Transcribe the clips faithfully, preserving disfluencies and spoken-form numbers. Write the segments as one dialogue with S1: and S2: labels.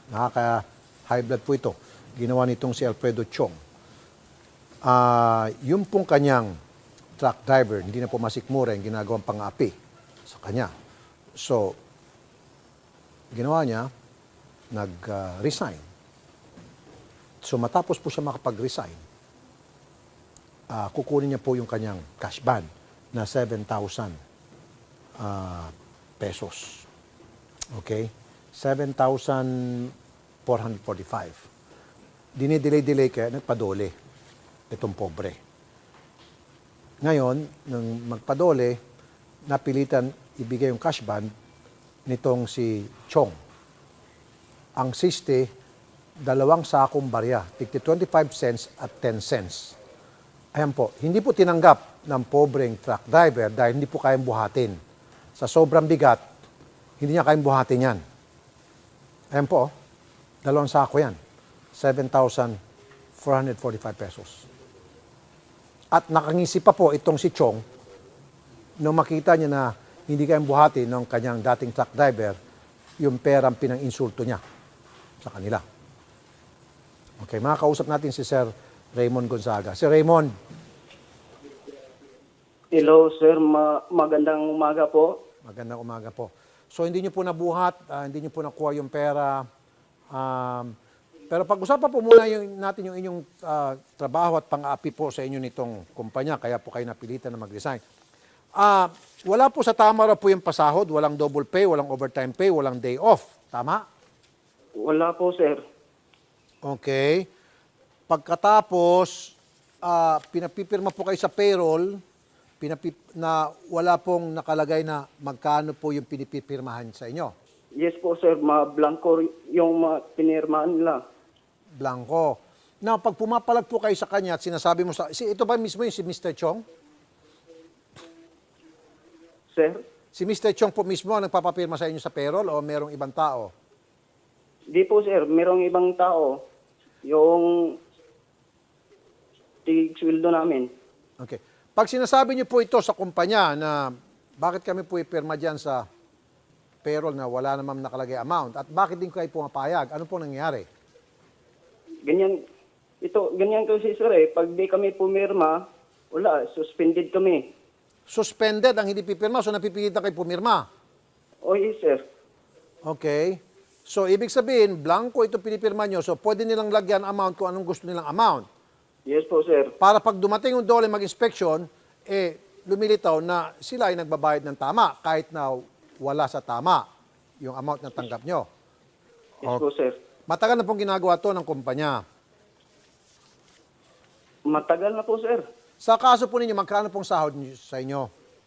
S1: Nakaka-high blood po ito. Ginawa nitong si Alfredo Chong. Ah, yung pong kanyang truck driver, hindi na po masikmura yung ginagawang pang-api sa kanya. So, ginawa niya, nag-resign. So, matapos po siya makapag-resign, ah, kukunin niya po yung kanyang cash ban na seven thousand ah, pesos. Okay? seven thousand four hundred forty-five. Dinidelay-delay kaya nagpadole itong pobre. Ngayon, nang magpadole, napilitan ibigay yung cash ban nitong si Chong. Ang siste, dalawang sakong barya, tigti twenty-five cents at ten cents. Ayan po, hindi po tinanggap ng pobreng truck driver dahil hindi po kayang buhatin. Sa sobrang bigat, hindi niya kayang buhatin yan. Ayan po, dalawang sako yan. seven thousand four hundred forty-five pesos. At nakangisi pa po itong si Chong nung makita niya na hindi kayang buhati ng kanyang dating truck driver yung perang pinang-insulto niya sa kanila. Okay, makakausap natin si Sir Raymond Gonzaga. Sir Raymond.
S2: Hello, sir. Ma- magandang umaga po.
S1: Magandang umaga po. So, hindi niyo po nabuhat, ah, hindi niyo po nakuha yung pera. Um, pero pag-usapan po muna yung, natin yung inyong ah, trabaho at pang-aapi po sa inyo nitong kumpanya, kaya po kayo napilitan na mag-resign. Ah, wala po sa tama raw po yung pasahod, walang double pay, walang overtime pay, walang day off. Tama?
S2: Wala po, sir.
S1: Okay. Pagkatapos, ah, pinapipirma po kayo sa payroll, pinapip, na wala pong nakalagay na magkano po yung pinipipirmahan sa inyo.
S2: Yes po, sir. Ma-blanco yung mga pinirmahan nila.
S1: Blanco. Now, pag pumapalag po kayo sa kanya at sinasabi mo sa... Si, ito ba mismo yung si mister Chong?
S2: Sir?
S1: Si mister Chong po mismo ang nagpapapirma sa inyo sa payroll o merong ibang tao?
S2: Di po, sir. Merong ibang tao. Yung tig-sweldo namin.
S1: Okay. Pag sinasabi niyo po ito sa kumpanya na bakit kami po ipirma dyan sa payroll na wala namang nakalagay amount at bakit din kayo pumapayag, ano po nangyayari?
S2: Ganyan. Ito, ganyan kasi, sir, eh. Pag di kami pumirma, wala. Suspended kami.
S1: Suspended ang hindi pipirma, so napipilitan kayo pumirma.
S2: O, yes, sir.
S1: Okay. So, ibig sabihin, blanco ito pinipirma nyo, so pwede nilang lagyan amount kung anong gusto nilang amount.
S2: Yes po, sir.
S1: Para pag dumating yung dole mag-inspection, eh, lumilitaw na sila ay nagbabayad ng tama kahit na wala sa tama yung amount na tanggap nyo.
S2: Yes po, sir.
S1: Matagal na pong ginagawa to ng kumpanya.
S2: Matagal na po, sir.
S1: Sa kaso po ninyo, magkano pong sahod niyo sa inyo?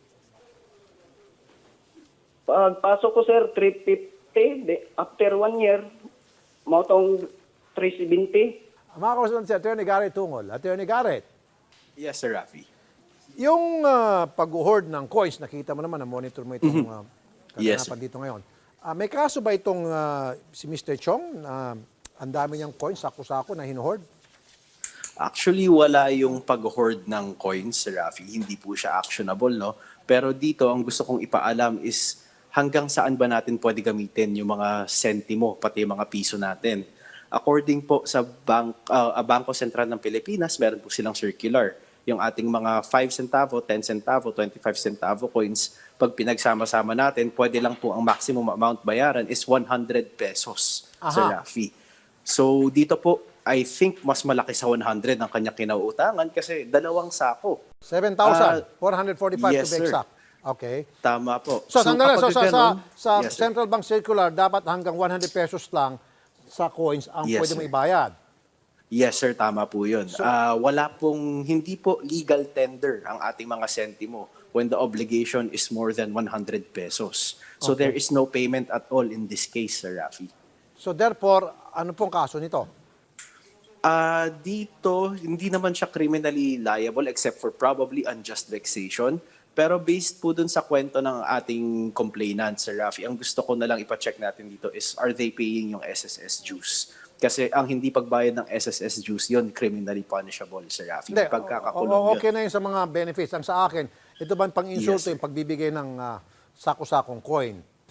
S2: Pagpasok ko, sir, three fifty. De, after one year, mautong three seventy.
S1: Mga kausap si Attorney Garrett Tungol. Attorney Garrett,
S3: Yes, Sir Rafi.
S1: yung uh, pag-hoard ng coins, nakita mo naman, na-monitor mo itong uh,
S3: Yes,
S1: kaganapan dito ngayon. Ah, may kaso ba itong ah, si mister Chong na ang dami niyang coins, sako-sako na hinuhoard?
S3: Actually, wala yung pag-hoard ng coins, Sir Rafi. Hindi po siya actionable, no? Pero dito, ang gusto kong ipaalam is hanggang saan ba natin pwede gamitin yung mga sentimo, pati yung mga piso natin. According po sa Bank, uh, Bangko Sentral ng Pilipinas, meron po silang circular. Yung ating mga five centavo, ten centavo, twenty-five centavo coins, pag pinagsama-sama natin, pwede lang po ang maximum amount bayaran is one hundred pesos, Sir
S1: Aha.
S3: Rafi. So dito po, I think mas malaki sa one hundred ang kanya kinauutangan kasi dalawang sako.
S1: seven thousand four hundred forty-five
S3: yes,
S1: to be
S3: sir.
S1: exact. Okay.
S3: Tama po.
S1: So, sandali, so,
S3: kapag
S1: sa, sa,
S3: ganun-
S1: sa
S3: Yes, sir.
S1: Central Bank Circular, dapat hanggang one hundred pesos lang sa coins ang
S3: Yes,
S1: pwede mo
S3: sir.
S1: ibayad.
S3: Yes, sir, tama po yun.
S1: So-
S3: Ah, wala pong, hindi po legal tender ang ating mga sentimo when the obligation is more than one hundred pesos. So
S1: Okay.
S3: there is no payment at all in this case, Sir Rafi.
S1: So therefore, ano pong kaso nito?
S3: Ah, dito, hindi naman siya criminally liable except for probably unjust vexation. Pero based po dun sa kwento ng ating complainant, Sir Rafi, ang gusto ko na lang ipacheck natin dito is, are they paying yung S S S dues? Kasi ang hindi pagbayad ng S S S dues, yun criminally punishable, Sir Rafi.
S1: Hindi,
S3: Pagkakakulong
S1: o-
S3: yun.
S1: okay na yun sa mga benefits. Ang sa akin, ito ba ang pang-insulto
S3: Yes, sir.
S1: yung pagbibigay ng ah, sako-sakong coin?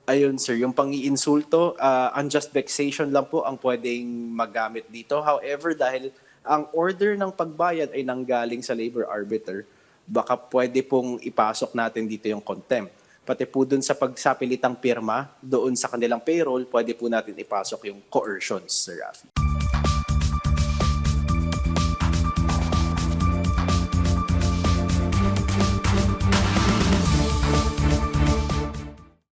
S3: Ayun sir, yung pang-iinsulto, uh, unjust vexation lang po ang pwedeng magamit dito. However, dahil ang order ng pagbayad ay nanggaling sa labor arbiter, baka pwede pong ipasok natin dito yung contempt. Pati po dun sa pagsapilitang pirma, doon sa kanilang payroll, pwede po natin ipasok yung coercions, Sir Rafi.